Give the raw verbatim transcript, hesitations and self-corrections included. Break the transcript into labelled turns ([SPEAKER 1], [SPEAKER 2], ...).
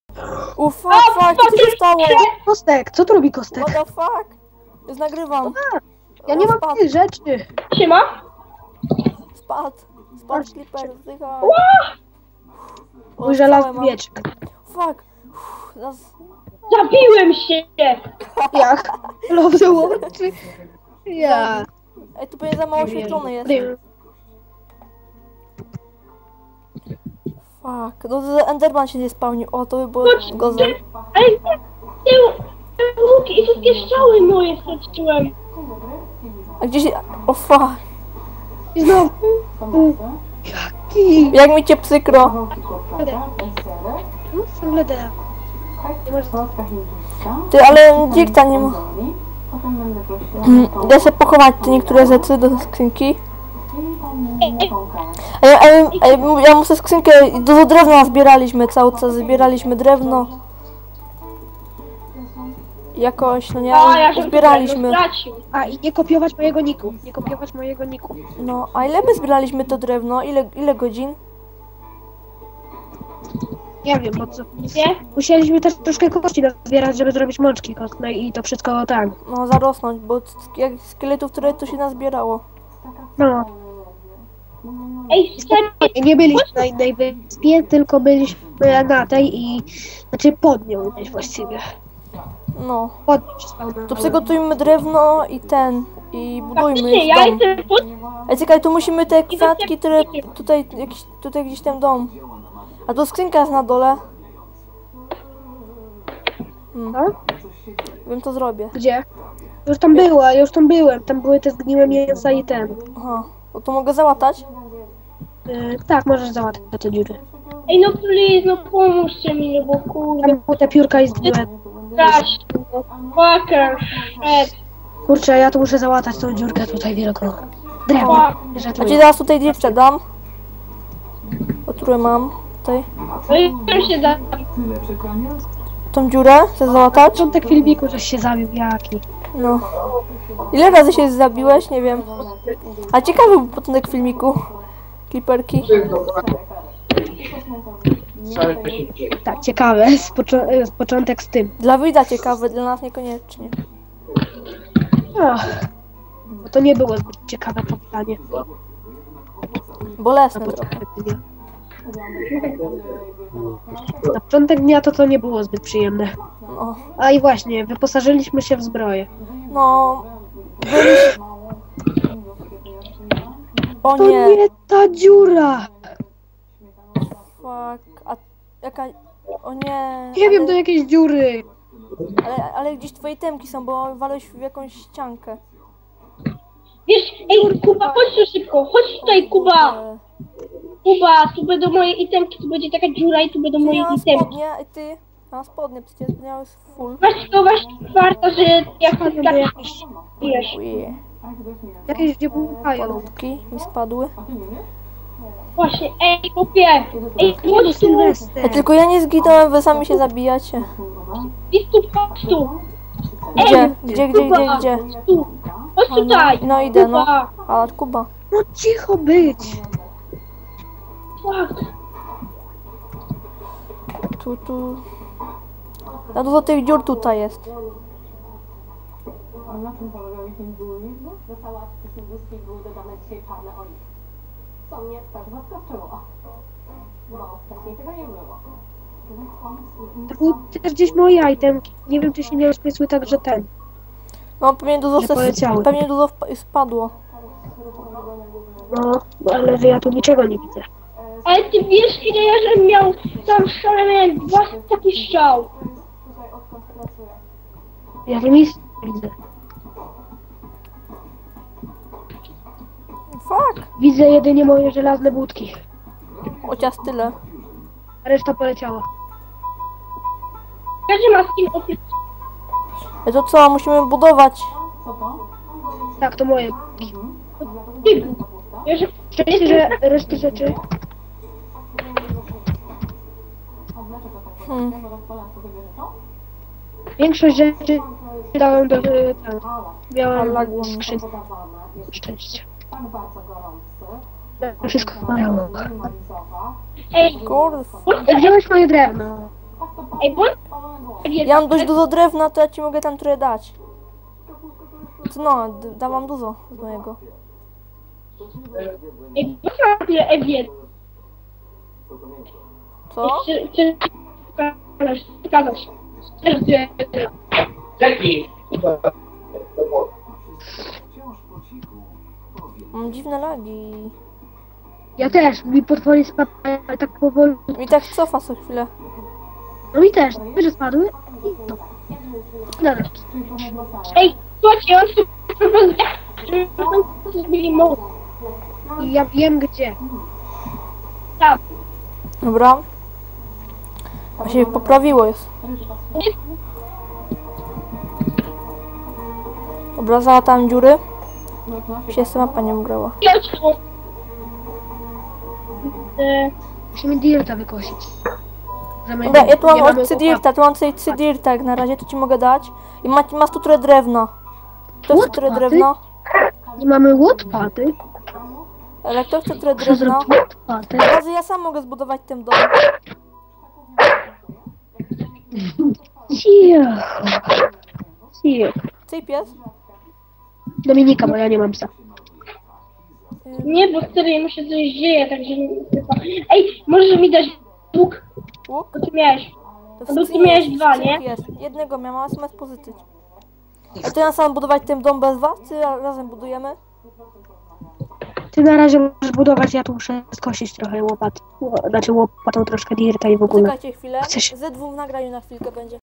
[SPEAKER 1] U fuck, fuck, co się stało?
[SPEAKER 2] Kostek, co tu robi Kostek?
[SPEAKER 1] What the fuck? Już nagrywam.
[SPEAKER 2] Ja nie
[SPEAKER 1] O,
[SPEAKER 2] mam
[SPEAKER 1] spadł,
[SPEAKER 2] tych rzeczy.
[SPEAKER 3] Siema?
[SPEAKER 1] spadł, spadł Clipper, zdychaj. O,
[SPEAKER 2] Mój
[SPEAKER 1] całe
[SPEAKER 2] żelazny
[SPEAKER 1] mam.
[SPEAKER 2] miecz.
[SPEAKER 1] Fuck. Uff, zaraz-
[SPEAKER 3] Zabiłem się!
[SPEAKER 2] Jak? Love the Watch. Ja.
[SPEAKER 1] Ej, tu pewnie za mało oświetlony jest. Fuck, no to Enderman się nie spełnił. O, to by było gorzej.
[SPEAKER 3] Ale nie, te, te łuki i wszystkie strzały moje straciłem.
[SPEAKER 1] A gdzieś... O fuck.
[SPEAKER 2] I znowu. Jaki?
[SPEAKER 1] Jak mi cię przykro.
[SPEAKER 2] No, ciągle da.
[SPEAKER 1] Ty, ale dzikta nie ma. Da się pochować te niektóre rzeczy do skrzynki. A ja, a ja, a ja, ja muszę skrzynkę, dużo drewna zbieraliśmy cały czas, zbieraliśmy drewno. Jakoś, no nie,
[SPEAKER 3] A, ja się
[SPEAKER 1] zbieraliśmy.
[SPEAKER 3] stracił.
[SPEAKER 2] A i nie kopiować mojego niku. Nie kopiować mojego niku.
[SPEAKER 1] No, a ile my zbieraliśmy to drewno? Ile, ile godzin?
[SPEAKER 2] Nie wiem po co.
[SPEAKER 3] Nie?
[SPEAKER 2] Musieliśmy też troszkę kości zbierać, żeby zrobić mączki kostne i to wszystko tak.
[SPEAKER 1] No, zarosnąć, bo jak szkieletów, które tu się nazbierało.
[SPEAKER 2] No.
[SPEAKER 3] Ej, serio,
[SPEAKER 2] I nie byliśmy na innej wyspie, tylko byliśmy na tej i... Znaczy pod nią gdzieś właściwie.
[SPEAKER 1] No,
[SPEAKER 2] Pod nią się spełniało.
[SPEAKER 1] to przygotujmy drewno i ten, i budujmy
[SPEAKER 3] faktycznie,
[SPEAKER 1] już
[SPEAKER 3] ja
[SPEAKER 1] dom.
[SPEAKER 3] jestem pod...
[SPEAKER 1] Ej, czekaj, tu musimy te kwiatki, które tutaj, jakiś, tutaj gdzieś ten dom. A tu skrzynka jest na dole. Hmm,
[SPEAKER 2] Co?
[SPEAKER 1] wiem, to zrobię.
[SPEAKER 2] Gdzie? Już tam była, już tam byłem. Tam były te zgniłe mięsa i ten.
[SPEAKER 1] Aha, bo to mogę załatać?
[SPEAKER 2] Yy, tak, możesz załatwić te dziury.
[SPEAKER 3] Ej, no please, no pomóżcie mi, no bo kurde,
[SPEAKER 2] Tam były te piórka i zgniłe.
[SPEAKER 3] strać. Fucker, shit.
[SPEAKER 2] Kurczę, ja tu muszę załatać tą dziurkę tutaj wielką. Drewno.
[SPEAKER 1] A ci
[SPEAKER 2] Żartuję.
[SPEAKER 1] zaraz tutaj dziewczę dam. O, które mam tutaj.
[SPEAKER 3] No i już się zabił.
[SPEAKER 1] Tą dziurę chcę załatać?
[SPEAKER 2] Początek filmiku, żeś się zabił, jaki.
[SPEAKER 1] No. Ile razy się zabiłeś? Nie wiem. A ciekawy był początek filmiku. Kliperki.
[SPEAKER 2] Tak, ciekawe. Z, poczo- z początek z tym.
[SPEAKER 1] Dla widza ciekawy, dla nas niekoniecznie.
[SPEAKER 2] Ach, bo to nie było zbyt ciekawe to pytanie.
[SPEAKER 1] Bolesne
[SPEAKER 2] Na
[SPEAKER 1] trochę.
[SPEAKER 2] początek dnia. Na początek dnia to to nie było zbyt przyjemne.
[SPEAKER 1] No.
[SPEAKER 2] A i właśnie, wyposażyliśmy się w zbroję.
[SPEAKER 1] No. Byliśmy... O
[SPEAKER 2] To
[SPEAKER 1] nie.
[SPEAKER 2] nie ta dziura!
[SPEAKER 1] Fuck. A jaka... O nie.
[SPEAKER 2] Nie wiem,
[SPEAKER 1] ale,
[SPEAKER 2] do jakiejś dziury.
[SPEAKER 1] ale, ale gdzieś twoje temki są, bo walałeś w jakąś ściankę.
[SPEAKER 3] Wiesz, ej, Kuba, chodź tu szybko, chodź tutaj, Kuba.
[SPEAKER 1] E,
[SPEAKER 3] Kuba, tu będą moje itemki, tu będzie taka dziura i tu będą
[SPEAKER 1] Ty
[SPEAKER 3] moje
[SPEAKER 1] miałam
[SPEAKER 3] itemki.
[SPEAKER 1] spodnie, i ty... Miałam spodnie, przecież miałeś full.
[SPEAKER 3] Weź to, weź warto, że jak to
[SPEAKER 2] Do jakiejś,
[SPEAKER 3] wiesz.
[SPEAKER 1] Uje.
[SPEAKER 2] jakieś gdzie buchają.
[SPEAKER 1] Malutki mi spadły.
[SPEAKER 3] Właśnie, ej, kupię. Ej,
[SPEAKER 2] Nie no,
[SPEAKER 3] chodź tu,
[SPEAKER 2] Sylwester.
[SPEAKER 1] E, tylko ja nie zginąłem, wy sami się zabijacie.
[SPEAKER 3] idź tu, chodź tu.
[SPEAKER 1] Gdzie? Gdzie, gdzie, gdzie, gdzie?
[SPEAKER 3] Tu, chodź tutaj.
[SPEAKER 1] No idę, no.
[SPEAKER 3] Kuba.
[SPEAKER 1] A, Kuba.
[SPEAKER 2] No cicho być.
[SPEAKER 3] Fuck.
[SPEAKER 1] Tu, tu. No dużo tych dziur tutaj jest.
[SPEAKER 4] A na czym polegały się dualizm? Do sałatki hinduskiej były dodane dzisiaj czarne oliwy. Co mnie też zaskoczyło. Bo wcześniej tego nie było.
[SPEAKER 2] To były też gdzieś moje itemki. Nie wiem, czy się nie rozpiesły tak, że ten.
[SPEAKER 1] No pewnie dużo,
[SPEAKER 2] Że
[SPEAKER 1] se-
[SPEAKER 2] poleciały.
[SPEAKER 1] pewnie dużo wpa- spadło.
[SPEAKER 2] No, ale że ja tu niczego nie widzę.
[SPEAKER 3] Ale ty wiesz, ile ja żem miał tam strzał, miałem dwa takie strzał.
[SPEAKER 2] Ja tu nic nie widzę.
[SPEAKER 1] Fuck.
[SPEAKER 2] Widzę jedynie moje żelazne budki.
[SPEAKER 1] Chociaż tyle.
[SPEAKER 2] A reszta poleciała.
[SPEAKER 3] Każdy ma skin ofic.
[SPEAKER 1] E to co, musimy budować.
[SPEAKER 2] Tak, to moje budki.
[SPEAKER 3] Wiesz,
[SPEAKER 2] Szczęście, że reszty rzeczy...
[SPEAKER 1] Hmm.
[SPEAKER 2] Większość rzeczy dałem do... y, Tam. Miałem
[SPEAKER 1] Lagło mi.
[SPEAKER 2] skrzynkę. Szczęście.
[SPEAKER 4] Tak bardzo gorący.
[SPEAKER 2] Wszystko miałem.
[SPEAKER 3] ej,
[SPEAKER 1] Kurw.
[SPEAKER 2] Wziąłeś moje drewno.
[SPEAKER 3] Ej, bądź...
[SPEAKER 1] Ja mam dość dużo drewna, to ja ci mogę tam trochę dać. To no, d- dałam dużo z mojego.
[SPEAKER 3] Ej, bądź na tyle ewiet.
[SPEAKER 1] Co?
[SPEAKER 3] Czy... czy... Pokażesz, pokażesz.
[SPEAKER 5] Jaki?
[SPEAKER 1] Mam dziwne lagi.
[SPEAKER 2] Ja też, mi potwory spadły, ale tak powoli.
[SPEAKER 1] Mi tak cofa co chwilę.
[SPEAKER 2] No mi też, że spadły i to. Dobra.
[SPEAKER 3] Ej, słuchajcie, on tu propozycję, zmieni moc.
[SPEAKER 2] I ja wiem gdzie.
[SPEAKER 3] Tam.
[SPEAKER 1] Dobra. A się poprawiło jest. Dobra, załatałem dziury. Się jeszcze mapa nie ugrała.
[SPEAKER 3] E,
[SPEAKER 2] Musimy dirta wykosić. Że
[SPEAKER 1] Dobra, ja tu mam
[SPEAKER 2] nie mamy
[SPEAKER 1] od Cydirta, tu mam tutaj Cydirta jak na razie, to ci mogę dać. I masz, masz tu trochę drewna. Kto chce trochę
[SPEAKER 2] Łopady?
[SPEAKER 1] drewno?
[SPEAKER 2] łopat. Nie mamy łopady.
[SPEAKER 1] Ale kto chce trochę
[SPEAKER 2] Muszę
[SPEAKER 1] drewno?
[SPEAKER 2] zrobić łopady.
[SPEAKER 1] Razy ja sam mogę zbudować ten dom.
[SPEAKER 2] Cicho. Cicho.
[SPEAKER 1] Cyj pies?
[SPEAKER 2] Dominika, bo ja nie mam psa.
[SPEAKER 3] nie, bo wtedy mu się coś dzieje, także... Ej, możesz mi dać łuk?
[SPEAKER 1] Łuk?
[SPEAKER 3] Bo ty miałeś.
[SPEAKER 1] To
[SPEAKER 3] No
[SPEAKER 1] w
[SPEAKER 3] tu miałeś
[SPEAKER 1] cyj
[SPEAKER 3] dwa,
[SPEAKER 1] cyj
[SPEAKER 3] nie?
[SPEAKER 1] pies. Jednego miałam, ale sam pozytyć. A to ja sam budować ten dom bez was, czy razem budujemy?
[SPEAKER 2] Ty na razie możesz budować, ja tu muszę skosić trochę łopat. Znaczy łopatą troszkę dirta i w ogóle.
[SPEAKER 1] Poczekajcie chwilę.
[SPEAKER 2] Chcesz-
[SPEAKER 1] Ze dwóch w nagraniu na chwilkę będzie.